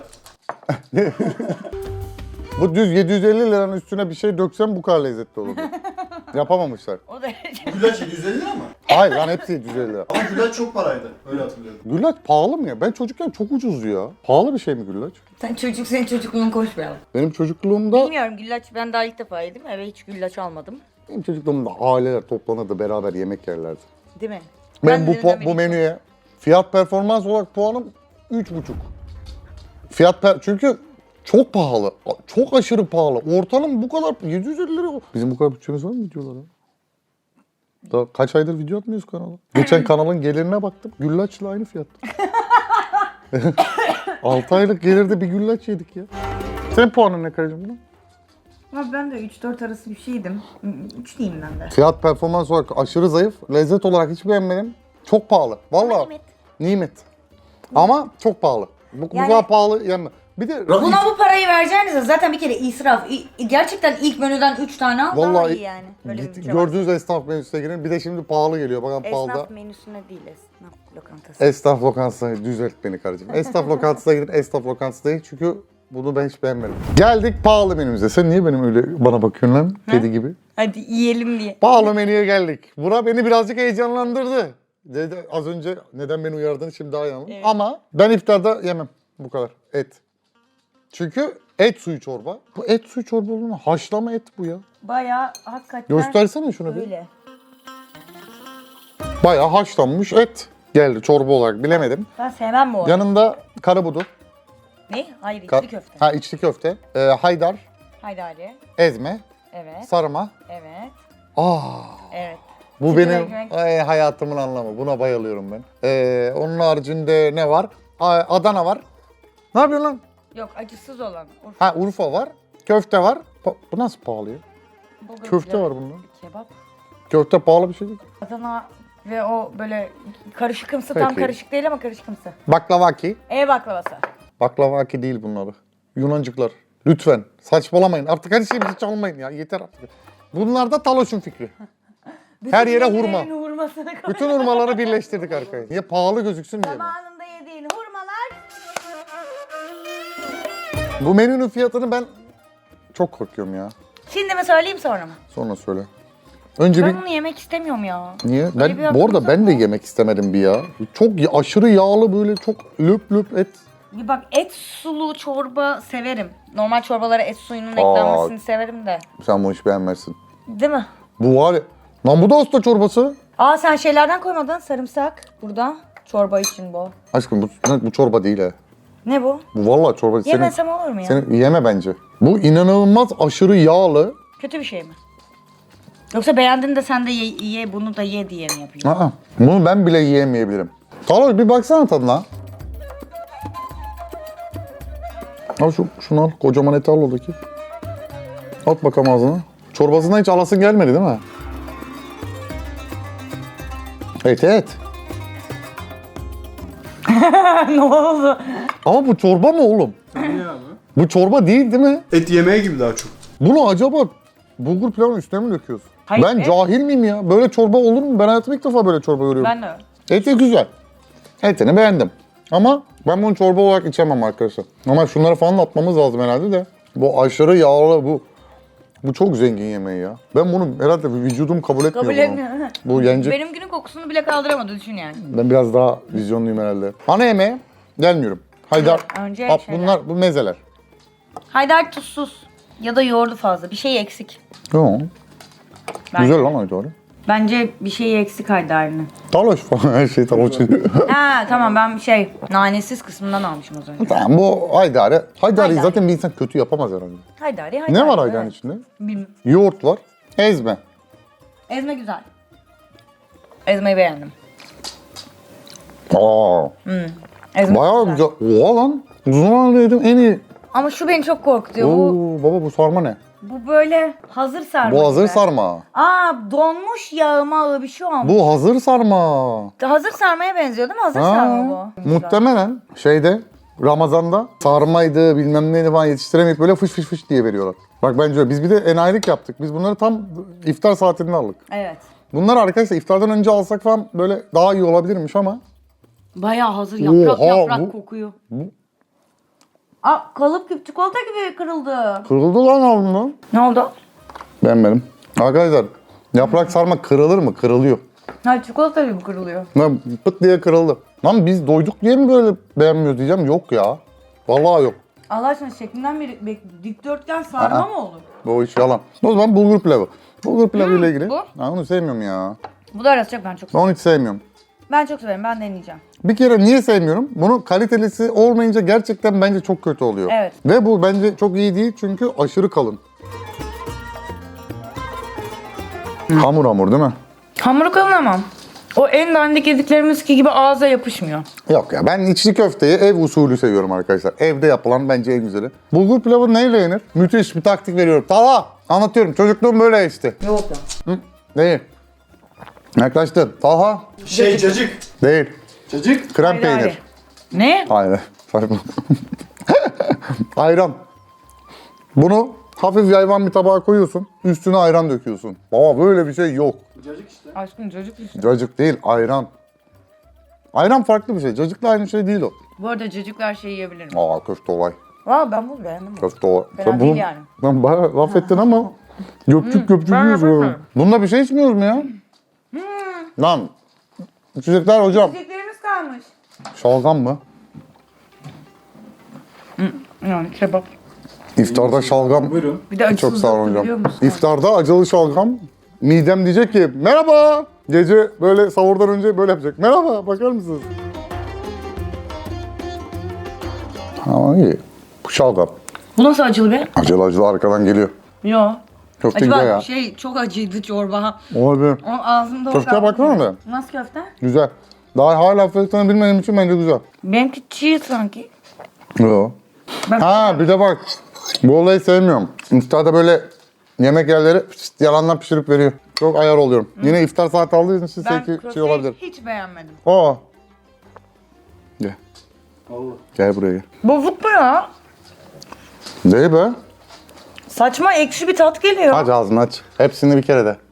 [SPEAKER 1] Bu düz 750 liranın üstüne bir şey döksem bu kadar lezzetli olurdu. Yapamamışlar.
[SPEAKER 2] O da
[SPEAKER 3] Güllaç 750 lira mı?
[SPEAKER 1] Hayır lan hepsi 750 lira.
[SPEAKER 3] Ama güllaç çok paraydı. Öyle hatırlıyorum.
[SPEAKER 1] Güllaç pahalı mı ya? Ben çocukken çok ucuzdu ya. Pahalı bir şey mi güllaç?
[SPEAKER 2] senin çocukluğun konuşmayalım.
[SPEAKER 1] Benim çocukluğumda
[SPEAKER 2] Bilmiyorum güllaç ben daha ilk defa yedim. Eve hiç güllaç almadım.
[SPEAKER 1] Benim çocukluğumda aileler toplanırdı beraber yemek yerlerdi.
[SPEAKER 2] Değil mi?
[SPEAKER 1] Ben
[SPEAKER 2] de denemedim.
[SPEAKER 1] bu menüye fiyat performans olarak puanım 3,5. Çünkü çok pahalı. Çok aşırı pahalı. Ortalama bu kadar 750 lira. Bizim bu kadar bütçemiz var mı videolara? Daha kaç aydır video atmıyoruz kanala. Geçen kanalın gelirine baktım. Güllaçla aynı fiyat. 6 aylık gelirde bir güllaç yedik ya. Senin puanın ne karıcığım buna?
[SPEAKER 2] Ama ben de 3-4 arası bir şeydim. 3 diyeyim ben de.
[SPEAKER 1] Fiyat performans olarak aşırı zayıf. Lezzet olarak hiç beğenmedim. Çok pahalı. Vallahi.
[SPEAKER 2] Nimet.
[SPEAKER 1] Nimet. Ama çok pahalı. Bu
[SPEAKER 2] Yani-
[SPEAKER 1] kadar pahalı yani. Bir de
[SPEAKER 2] Buna bu parayı vereceğinize zaten bir kere israf. Gerçekten ilk menüden 3 tane al daha
[SPEAKER 1] vallahi
[SPEAKER 2] iyi yani. Böyle bir şey var.
[SPEAKER 1] gördüğünüz esnaf menüsüne girin. Bir de şimdi pahalı geliyor. Bakın pahalı
[SPEAKER 2] Esnaf
[SPEAKER 1] da.
[SPEAKER 2] menüsüne değil esnaf lokantası.
[SPEAKER 1] Esnaf lokantasına düzelt beni karıcığım. Esnaf lokantasına gidin. Esnaf lokantası değil çünkü bunu ben hiç beğenmedim. Geldik pahalı menümüze. Sen niye benim öyle bana bakıyorsun lan? Kedi gibi.
[SPEAKER 2] Hadi yiyelim diye.
[SPEAKER 1] Pahalı menüye geldik. Bura beni birazcık heyecanlandırdı. Dedi, az önce neden beni uyardığını şimdi daha iyi anladım.
[SPEAKER 2] Evet.
[SPEAKER 1] Ama ben iftarda yemem bu kadar et. Çünkü et suyu çorba. Bu et suyu çorba olur mu? Haşlama et bu ya.
[SPEAKER 2] Bayağı hakikaten
[SPEAKER 1] Göstersene şunu bir.
[SPEAKER 2] öyle.
[SPEAKER 1] Bayağı haşlanmış et geldi çorba olarak bilemedim.
[SPEAKER 2] Ben sevmem bu arada.
[SPEAKER 1] Yanında karabudu.
[SPEAKER 2] Ne? Hayır
[SPEAKER 1] ka-
[SPEAKER 2] içli köfte.
[SPEAKER 1] Ha içli köfte. Haydar,
[SPEAKER 2] Haydi Ali.
[SPEAKER 1] ezme,
[SPEAKER 2] Evet.
[SPEAKER 1] sarma.
[SPEAKER 2] Evet.
[SPEAKER 1] Evet.
[SPEAKER 2] Evet.
[SPEAKER 1] Bu
[SPEAKER 2] Sıcak
[SPEAKER 1] benim
[SPEAKER 2] ekmek.
[SPEAKER 1] hayatımın anlamı. Buna bayılıyorum ben. Onun haricinde ne var? Adana var. Ne yapıyorsun lan?
[SPEAKER 2] Yok acısız olan. Urfa.
[SPEAKER 1] Ha Urfa var. Köfte var. Bu nasıl pahalı ya?
[SPEAKER 2] Bulgur
[SPEAKER 1] Köfte
[SPEAKER 2] pilavı,
[SPEAKER 1] var bunda.
[SPEAKER 2] Kebap.
[SPEAKER 1] Köfte pahalı bir şey değil.
[SPEAKER 2] Adana ve o böyle karışıkımsı tam
[SPEAKER 1] Peki.
[SPEAKER 2] karışık değil ama karışıkımsı.
[SPEAKER 1] Baklavaki.
[SPEAKER 2] Ev baklavası.
[SPEAKER 1] Baklavaki değil bunlar. Yunancıklar. Lütfen. Saçmalamayın. Artık her şeyimizi çalmayın ya. Yeter artık. Bunlar da Taloş'un fikri. Her yere hurma.
[SPEAKER 2] yediğin hurmasını koy.
[SPEAKER 1] Bütün hurmaları birleştirdik arkaya. Niye pahalı gözüksün diye mi?
[SPEAKER 2] Zamanında yediğin hurmalar.
[SPEAKER 1] Bu menünün fiyatını ben çok korkuyorum ya.
[SPEAKER 2] Şimdi mi söyleyeyim sonra mı?
[SPEAKER 1] Sonra söyle. Önce
[SPEAKER 2] Ben
[SPEAKER 1] bir...
[SPEAKER 2] bunu yemek istemiyorum ya.
[SPEAKER 1] Niye?
[SPEAKER 2] Öyle bir
[SPEAKER 1] Ben, bu arada
[SPEAKER 2] aklımda
[SPEAKER 1] ben de
[SPEAKER 2] var.
[SPEAKER 1] yemek istemedim bir ya. Çok aşırı yağlı böyle çok löp löp et.
[SPEAKER 2] Bir bak et sulu çorba severim. Normal çorbalara et suyunun eklenmesini severim de.
[SPEAKER 1] Sen bunu hiç beğenmezsin.
[SPEAKER 2] Değil mi?
[SPEAKER 1] Bu var ya. Lan bu da usta çorbası.
[SPEAKER 2] Aa sen şeylerden koymadın sarımsak burada. Çorba için bu.
[SPEAKER 1] Aşkım bu çorba değil ha.
[SPEAKER 2] Ne bu?
[SPEAKER 1] Bu vallahi çorba.
[SPEAKER 2] Yemesem olur mu ya?
[SPEAKER 1] Senin yeme bence. Bu inanılmaz aşırı yağlı.
[SPEAKER 2] Kötü bir şey mi? Yoksa beğendin de sen de ye bunu da ye diye mi yapıyorsun?
[SPEAKER 1] Aa, bunu ben bile yiyemeyebilirim. Taloş bir baksana tadına. Al şunu al. Kocaman eti al oradaki. At bakalım ağzına. Çorbasından hiç alasın gelmedi değil mi? Et.
[SPEAKER 2] Ne oldu?
[SPEAKER 1] Ama bu çorba mı oğlum?
[SPEAKER 3] Niye abi?
[SPEAKER 1] Bu çorba değil mi?
[SPEAKER 3] Et yemeği gibi daha çok.
[SPEAKER 1] Bunu acaba bulgur pilavın üstüne mi döküyoruz?
[SPEAKER 2] Hayır,
[SPEAKER 1] Ben
[SPEAKER 2] et.
[SPEAKER 1] cahil miyim ya? Böyle çorba olur mu? Ben hayatımda ilk defa böyle çorba görüyorum.
[SPEAKER 2] Ben de.
[SPEAKER 1] Eti güzel. Etini beğendim. Ama ben bunu çorba olarak içemem arkadaşlar. Ama şunları falan atmamız lazım herhalde de. Bu aşırı yağlı bu çok zengin yemeği ya. Ben bunu herhalde vücudum kabul etmiyor.
[SPEAKER 2] Kabul
[SPEAKER 1] bunu.
[SPEAKER 2] etmiyor.
[SPEAKER 1] Bu yenecek.
[SPEAKER 2] Benim günün kokusunu bile kaldıramadı düşün yani.
[SPEAKER 1] Ben biraz daha vizyonluyum herhalde. Ana yemeğe gelmiyorum. Haydar.
[SPEAKER 2] Önce
[SPEAKER 1] At,
[SPEAKER 2] şeyler.
[SPEAKER 1] bunlar bu mezeler.
[SPEAKER 2] Haydar tuzsuz. Ya da yoğurdu fazla. Bir şey eksik.
[SPEAKER 1] Yo.
[SPEAKER 2] Bence.
[SPEAKER 1] Güzel lan Haydar.
[SPEAKER 2] Bence bir şey eksik Haydar'ın.
[SPEAKER 1] Taloş falan her şey taloş.
[SPEAKER 2] Ha tamam ben nanesiz kısmından almışım az önce.
[SPEAKER 1] Tamam bu Haydar'ı. Haydar'ı
[SPEAKER 2] Haydari.
[SPEAKER 1] zaten bir insan kötü yapamaz herhalde.
[SPEAKER 2] Haydari.
[SPEAKER 1] Ne var Haydar'ın içinde?
[SPEAKER 2] Bilmiyorum.
[SPEAKER 1] Yoğurt var. Ezme.
[SPEAKER 2] Ezme güzel. Ezmeyi beğendim.
[SPEAKER 1] Aa.
[SPEAKER 2] Ezme
[SPEAKER 1] Bayağı güzel. Oha lan. Uzun zamandır yedim en iyi.
[SPEAKER 2] Ama şu beni çok korkutuyor.
[SPEAKER 1] Oo,
[SPEAKER 2] Bu,
[SPEAKER 1] baba bu sarma ne?
[SPEAKER 2] bu böyle hazır sarma.
[SPEAKER 1] Bu hazır
[SPEAKER 2] gibi.
[SPEAKER 1] sarma.
[SPEAKER 2] Aa donmuş yağmağı bir şey olmuş.
[SPEAKER 1] Bu hazır sarma.
[SPEAKER 2] Hazır sarmaya benziyor değil mi? Hazır sarma bu.
[SPEAKER 1] Muhtemelen şeyde Ramazan'da sarmaydı bilmem neydi falan yetiştiremeyip böyle fış fış fış diye veriyorlar. Bak bence öyle. Biz bir de enayilik yaptık. Biz bunları tam iftar saatinde aldık.
[SPEAKER 2] Evet.
[SPEAKER 1] Bunlar arkadaşlar iftardan önce alsak falan böyle daha iyi olabilirmiş ama.
[SPEAKER 2] Bayağı hazır yaprak
[SPEAKER 1] Oha,
[SPEAKER 2] yaprak
[SPEAKER 1] bu-
[SPEAKER 2] kokuyor.
[SPEAKER 1] bu-
[SPEAKER 2] Aa kalıp gibi çikolata gibi kırıldı.
[SPEAKER 1] Kırıldı lan ağzımda.
[SPEAKER 2] Ne oldu?
[SPEAKER 1] Beğenmedim. Arkadaşlar yaprak sarma kırılır mı? Kırılıyor.
[SPEAKER 2] Ha çikolata gibi kırılıyor.
[SPEAKER 1] Lan pıt diye kırıldı. Lan biz doyduk diye mi böyle beğenmiyor diyeceğim. Yok ya. Vallahi yok.
[SPEAKER 2] Allah aşkına şeklinden bir dikdörtgen sarma
[SPEAKER 1] Aa.
[SPEAKER 2] mı olur?
[SPEAKER 1] Bu iş yalan. O zaman bulgur pilavı. Bulgur pilavı ile ilgili.
[SPEAKER 2] bu?
[SPEAKER 1] Ha, onu sevmiyorum ya.
[SPEAKER 2] Bu da arası çok ben çok
[SPEAKER 1] Ben
[SPEAKER 2] seviyorum.
[SPEAKER 1] onu hiç sevmiyorum.
[SPEAKER 2] Ben çok severim ben deneyeceğim.
[SPEAKER 1] Bir kere niye sevmiyorum? Bunun kalitelisi olmayınca gerçekten bence çok kötü oluyor.
[SPEAKER 2] Evet.
[SPEAKER 1] Ve bu bence çok iyi değil çünkü aşırı kalın. Hamur hamur değil mi?
[SPEAKER 2] Hamuru kalın ama. O en dandik yediklerimiz gibi ağza yapışmıyor.
[SPEAKER 1] Yok ya ben içli köfteyi ev usulü seviyorum arkadaşlar. Evde yapılan bence en güzeli. Bulgur pilavı neyle yenir? Müthiş bir taktik veriyorum. Talha anlatıyorum. Çocukluğum böyle işte.
[SPEAKER 2] Yok ya.
[SPEAKER 1] Hı? Değil. Yaklaştın. Talha
[SPEAKER 3] Cacık.
[SPEAKER 1] değil.
[SPEAKER 3] Cacık.
[SPEAKER 1] Krem peynir.
[SPEAKER 2] Ne?
[SPEAKER 1] Hayır. Saçma. Ayran. Bunu hafif yayvan bir tabağa koyuyorsun. Üstüne ayran döküyorsun. Baba böyle bir şey yok.
[SPEAKER 3] Cacık işte.
[SPEAKER 2] Aşkım çocuk işte.
[SPEAKER 1] Cacık değil, ayran. Ayran farklı bir şey. Cacıkla aynı şey değil o.
[SPEAKER 2] Bu arada çocuklar şey yiyebilirim.
[SPEAKER 1] Aa köfte olay.
[SPEAKER 2] Valla ben bunu beğendim.
[SPEAKER 1] Köfte olay.
[SPEAKER 2] Fena değil yani.
[SPEAKER 1] Lan bayağı laf ettin ama göpçük göpçük
[SPEAKER 2] ben
[SPEAKER 1] yiyoruz.
[SPEAKER 2] yaparım.
[SPEAKER 1] böyle. Bununla bir şey içmiyoruz mu ya? Lan. İçecekler hocam.
[SPEAKER 2] Yiyeceklerimiz kalmış.
[SPEAKER 1] Şalgam mı?
[SPEAKER 2] Yani kebap.
[SPEAKER 1] İftarda şalgam.
[SPEAKER 3] Buyurun.
[SPEAKER 2] Bir de
[SPEAKER 1] Çok sağ olun
[SPEAKER 2] biliyor
[SPEAKER 1] hocam.
[SPEAKER 2] musun?
[SPEAKER 1] İftarda acılı şalgam. Midem diyecek ki merhaba. Gece böyle sahurdan önce böyle yapacak. Merhaba bakar mısınız? Ama iyi. Bu şalgam.
[SPEAKER 2] Bu nasıl acılı be?
[SPEAKER 1] Acılı acılı arkadan geliyor.
[SPEAKER 2] Yo.
[SPEAKER 1] Köfte
[SPEAKER 2] Acaba
[SPEAKER 1] güzel ya.
[SPEAKER 2] çok acıydı çorba.
[SPEAKER 1] Olabilir.
[SPEAKER 2] O ağzımda o
[SPEAKER 1] Köfteye
[SPEAKER 2] kaldı.
[SPEAKER 1] baksana da.
[SPEAKER 2] Nasıl köfte?
[SPEAKER 1] Güzel. Daha hala fiyatını bilmediğim için bence güzel.
[SPEAKER 2] Benimki çiğ sanki.
[SPEAKER 1] Yo.
[SPEAKER 2] Ben-
[SPEAKER 1] Ha bir de bak. Bu olayı sevmiyorum. İftarda böyle yemek yerleri yalandan pişirip veriyor. Çok ayar oluyorum. Yine iftar saati aldığı için
[SPEAKER 2] Ben
[SPEAKER 1] belki şey
[SPEAKER 2] köfteyi
[SPEAKER 1] olabilir.
[SPEAKER 2] hiç beğenmedim.
[SPEAKER 1] Aa. Gel.
[SPEAKER 3] Allah.
[SPEAKER 1] Gel buraya gel.
[SPEAKER 2] Bozuk mu ya?
[SPEAKER 1] Değil be.
[SPEAKER 2] Saçma ekşi bir tat geliyor.
[SPEAKER 1] Aç ağzını aç. Hepsini bir kere de.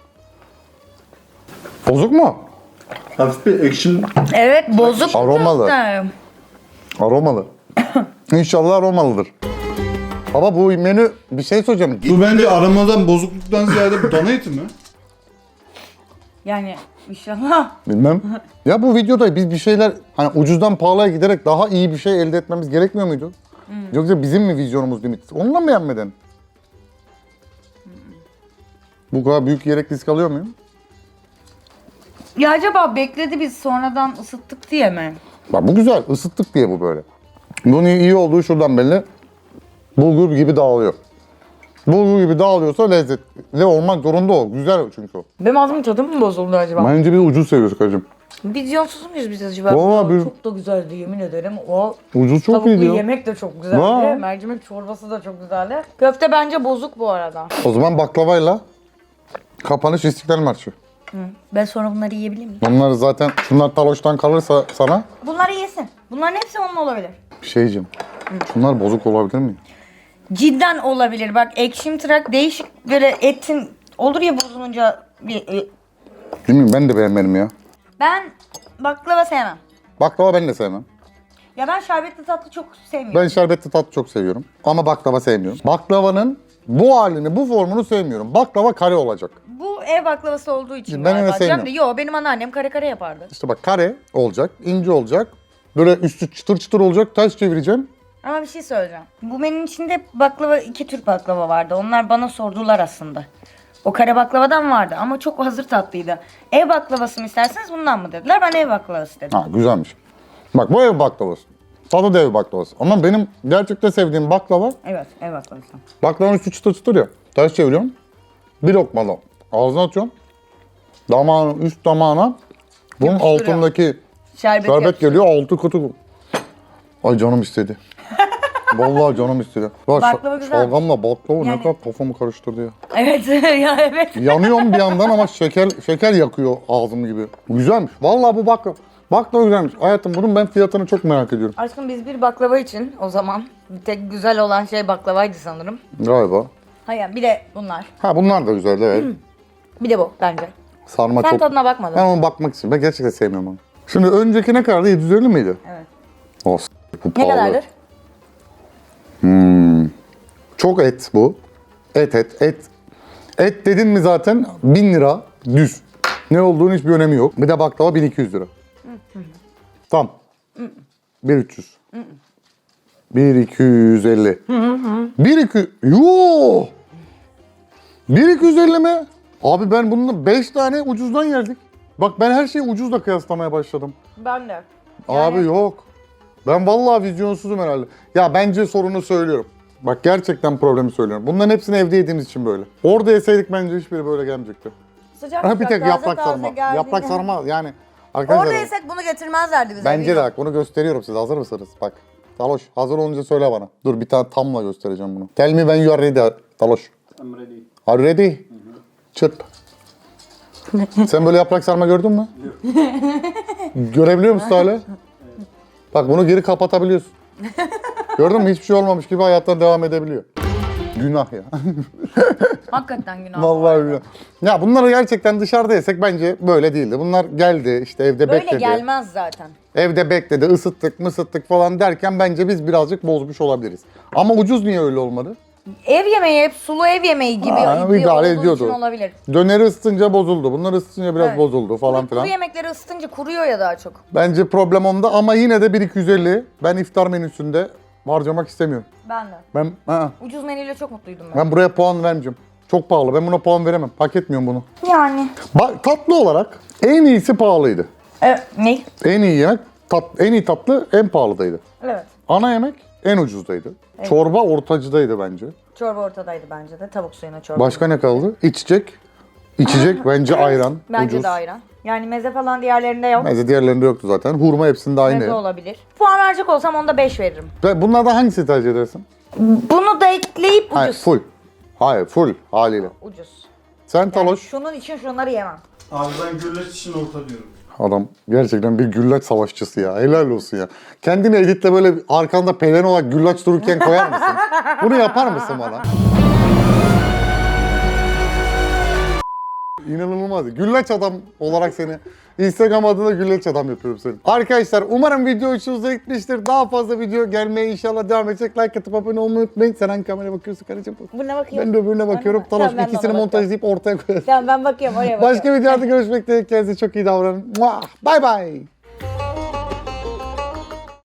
[SPEAKER 1] Bozuk mu?
[SPEAKER 3] Hafif bir action.
[SPEAKER 2] Evet bozuk.
[SPEAKER 1] Aromalı.
[SPEAKER 2] köfte.
[SPEAKER 1] Aromalı. İnşallah aromalıdır. Baba bu menü bir şey söyleyeceğim.
[SPEAKER 3] Bu bence aramadan bozukluktan ziyade bu dana eti mi?
[SPEAKER 2] Yani inşallah.
[SPEAKER 1] Bilmem. Ya bu videoda biz bir şeyler hani ucuzdan pahalıya giderek daha iyi bir şey elde etmemiz gerekmiyor muydu? Yoksa bizim mi vizyonumuz limitsiz? Onunla mı beğenmedin? Bu kadar büyük yiyerek risk alıyor muyum?
[SPEAKER 2] Ya acaba bekledi biz sonradan ısıttık diye mi?
[SPEAKER 1] Bak bu güzel. Isıttık diye bu böyle. Bunun iyi olduğu şuradan belli. Bulgur gibi dağılıyor. Bulgur gibi dağılıyorsa lezzetli olmak zorunda o. Güzel çünkü o.
[SPEAKER 2] Benim ağzımın tadı mı bozuldu acaba?
[SPEAKER 1] Bence biz ucuz seviyoruz karıcığım.
[SPEAKER 2] Vizyonsuz muyuz biz acaba?
[SPEAKER 1] Vallahi biz-
[SPEAKER 2] Çok da güzeldi yemin ederim. O
[SPEAKER 1] Ucuz çok
[SPEAKER 2] tavuklu
[SPEAKER 1] iyi diyor.
[SPEAKER 2] yemek de çok güzeldi.
[SPEAKER 1] Vay.
[SPEAKER 2] Mercimek çorbası da çok güzeldi. Köfte bence bozuk bu arada.
[SPEAKER 1] O zaman baklavayla kapanış İstiklal Marşı.
[SPEAKER 2] Ben sonra bunları yiyebilir miyim?
[SPEAKER 1] Bunlar zaten şunlar taloştan kalırsa sana
[SPEAKER 2] Bunları yesin. Bunların hepsi onun olabilir.
[SPEAKER 1] bir şey diyeceğim. Şunlar bozuk olabilir mi?
[SPEAKER 2] Cidden olabilir. Bak ekşim tırak değişik böyle etin olur ya bozulunca bir...
[SPEAKER 1] Bilmiyorum ben de beğenmedim ya.
[SPEAKER 2] Ben baklava sevmem.
[SPEAKER 1] Baklava ben de sevmem.
[SPEAKER 2] Ya ben şerbetli tatlı çok sevmiyorum.
[SPEAKER 1] Ben şerbetli tatlı çok seviyorum. Ama baklava sevmiyorum. Baklavanın bu halini, bu formunu sevmiyorum. Baklava kare olacak.
[SPEAKER 2] Bu ev baklavası olduğu için
[SPEAKER 1] Ben öyle
[SPEAKER 2] galiba.
[SPEAKER 1] sevmiyorum.
[SPEAKER 2] Yo, benim anneannem kare kare yapardı.
[SPEAKER 1] İşte bak kare olacak, ince olacak. Böyle üstü çıtır çıtır olacak, ters çevireceğim.
[SPEAKER 2] Ama bir şey söyleyeceğim. Bu menünün içinde baklava, 2 tür baklava vardı. Onlar bana sordular aslında. O kare baklavadan vardı ama çok hazır tatlıydı. Ev baklavası mı isterseniz bundan mı dediler. Ben ev baklavası dedim.
[SPEAKER 1] Ha güzelmiş. Bak bu ev baklavası. Tadı da ev baklavası. Ama benim gerçekten sevdiğim baklava,
[SPEAKER 2] Evet, ev baklavası.
[SPEAKER 1] baklavanın üstü çıtır çıtır ya. Ters çeviriyorum. Bir lokmalı ağzına atıyorum. Damağın üst damağına bunun
[SPEAKER 2] Yapıştırıyor.
[SPEAKER 1] altındaki
[SPEAKER 2] Şerbet
[SPEAKER 1] şerbet geliyor, altı kutu. Ay canım istedi. Vallahi canım istedi. Ya
[SPEAKER 2] Baklava güzel.
[SPEAKER 1] şalgamla baklava ne
[SPEAKER 2] Yani-
[SPEAKER 1] kadar kafamı karıştırdı ya.
[SPEAKER 2] Evet, ya evet.
[SPEAKER 1] Yanıyorum bir yandan ama şeker yakıyor ağzım gibi. Güzelmiş. Vallahi bu baklava güzelmiş. Hayatım bunun ben fiyatını çok merak ediyorum.
[SPEAKER 2] Aşkım biz bir baklava için o zaman bir tek güzel olan şey baklavaydı sanırım.
[SPEAKER 1] Galiba.
[SPEAKER 2] Hayır, bir de bunlar.
[SPEAKER 1] Ha bunlar da güzel evet.
[SPEAKER 2] Bir de bu bence.
[SPEAKER 1] Sarma
[SPEAKER 2] Sen
[SPEAKER 1] çok.
[SPEAKER 2] tadına bakmadın.
[SPEAKER 1] Ben ona bakmak istiyorum. Ben gerçekten sevmiyorum onu. Şimdi önceki ne kadardı? 750 miydi?
[SPEAKER 2] Evet.
[SPEAKER 1] Oh, bu
[SPEAKER 2] Ne
[SPEAKER 1] pahalı.
[SPEAKER 2] kadardır?
[SPEAKER 1] Çok et bu. Et. Et dedin mi zaten 1000 lira düz. Ne olduğunun hiçbir önemi yok. Bir de baklava 1200 lira. Tamam. 1300. 1250. 1200. Yoo! 1250 mi? Abi ben bunun 5 tane ucuzdan yerdik. Bak ben her şeyi ucuzla kıyaslamaya başladım.
[SPEAKER 2] Ben de.
[SPEAKER 1] Abi yok. Ben vallahi vizyonsuzum herhalde. Ya bence sorunu söylüyorum. Bak gerçekten problemi söylüyorum. Bunların hepsini evde yediğimiz için böyle. Orada yeseydik bence hiçbiri böyle gelmeyecekti.
[SPEAKER 2] Sıcak
[SPEAKER 1] Ha, bir
[SPEAKER 2] sıcak,
[SPEAKER 1] tek
[SPEAKER 2] taze
[SPEAKER 1] yaprak
[SPEAKER 2] taze
[SPEAKER 1] sarma.
[SPEAKER 2] geldiğinde-
[SPEAKER 1] Yaprak sarma yani. Arkadaşlar
[SPEAKER 2] Orada yesek bunu getirmezlerdi bize.
[SPEAKER 1] bence de
[SPEAKER 2] bilmiyorum.
[SPEAKER 1] bak bunu gösteriyorum size. Hazır mısınız? Bak. Taloş hazır olunca söyle bana. Dur bir tane tamla göstereceğim bunu. Tell me when you are ready Taloş.
[SPEAKER 3] I'm ready.
[SPEAKER 1] Are you ready? Çırp. Sen böyle yaprak sarma gördün mü? Görebiliyor musun hala? Bak bunu geri kapatabiliyorsun. Gördün mü? Hiçbir şey olmamış gibi hayattan devam edebiliyor. Günah ya.
[SPEAKER 2] Hakikaten günah.
[SPEAKER 1] Vallahi günah. Ya bunları gerçekten dışarıda yesek bence böyle değildi. Bunlar geldi işte evde
[SPEAKER 2] Böyle
[SPEAKER 1] bekledi.
[SPEAKER 2] gelmez zaten.
[SPEAKER 1] Evde bekledi, ısıttık mısıttık falan derken bence biz birazcık bozmuş olabiliriz. Ama ucuz niye öyle olmadı?
[SPEAKER 2] Ev yemeği hep sulu ev yemeği gibi
[SPEAKER 1] Ha, idare
[SPEAKER 2] olduğu
[SPEAKER 1] ediyordu.
[SPEAKER 2] için olabilir.
[SPEAKER 1] Döneri ısıtınca bozuldu. Bunlar ısıtınca biraz
[SPEAKER 2] Evet.
[SPEAKER 1] bozuldu falan
[SPEAKER 2] Kuru
[SPEAKER 1] filan.
[SPEAKER 2] yemekleri ısıtınca kuruyor ya daha çok.
[SPEAKER 1] Bence problem onda ama yine de 1250 ben iftar menüsünde harcamak istemiyorum.
[SPEAKER 2] Ben de.
[SPEAKER 1] Ben
[SPEAKER 2] Ucuz menüyle çok mutluydum ben.
[SPEAKER 1] buraya puan vermeyeceğim. Çok pahalı. Ben buna puan veremem. Hak etmiyorum bunu.
[SPEAKER 2] Yani.
[SPEAKER 1] Tatlı olarak en iyisi pahalıydı.
[SPEAKER 2] Ne?
[SPEAKER 1] En iyi yemek, en iyi tatlı en pahalıdaydı.
[SPEAKER 2] Evet.
[SPEAKER 1] Ana yemek en ucuzdaydı. Çorba ortacıdaydı bence.
[SPEAKER 2] Çorba ortadaydı bence de. Tavuk suyuna çorba.
[SPEAKER 1] Başka ne kaldı? İçecek bence ayran.
[SPEAKER 2] Bence
[SPEAKER 1] ucuz.
[SPEAKER 2] de ayran. Yani meze falan diğerlerinde yok.
[SPEAKER 1] Meze diğerlerinde yoktu zaten. Hurma hepsinde aynı.
[SPEAKER 2] Meze olabilir. Puan verecek olsam onda 5 veririm.
[SPEAKER 1] Ve bunlardan hangisini tercih edersin?
[SPEAKER 2] Bunu da ekleyip ucuz.
[SPEAKER 1] Hayır, full. Hayır, full haliyle.
[SPEAKER 2] Ucuz.
[SPEAKER 1] Sen
[SPEAKER 2] Yani
[SPEAKER 1] Taloş.
[SPEAKER 2] şunun için şunları yemem.
[SPEAKER 3] Abi ben güllaç için orta diyorum.
[SPEAKER 1] Adam gerçekten bir güllaç savaşçısı ya. Helal olsun ya. Kendini editle böyle arkanda pelen olarak güllaç dururken koyar mısın? Bunu yapar mısın bana? İnanılmaz. Güllaç adam olarak seni Instagram adına güllaç adam yapıyorum seni. Arkadaşlar umarım video hoşunuza gitmiştir. Daha fazla video gelmeye inşallah devam edecek. Like atıp abone olmayı unutmayın. Sen hangi kameraya bakıyorsun karıcığım?
[SPEAKER 2] Buna bakıyorum.
[SPEAKER 1] Ben de öbürüne bakıyorum. Taloş
[SPEAKER 2] Tamam, ben de
[SPEAKER 1] ikisini
[SPEAKER 2] ona
[SPEAKER 1] montajlayıp ortaya koyarım.
[SPEAKER 2] Tamam ben bakıyorum oraya bakıyorum.
[SPEAKER 1] Başka videolarda görüşmek dileğiyle. Kendinize çok iyi davranın. Bye bye.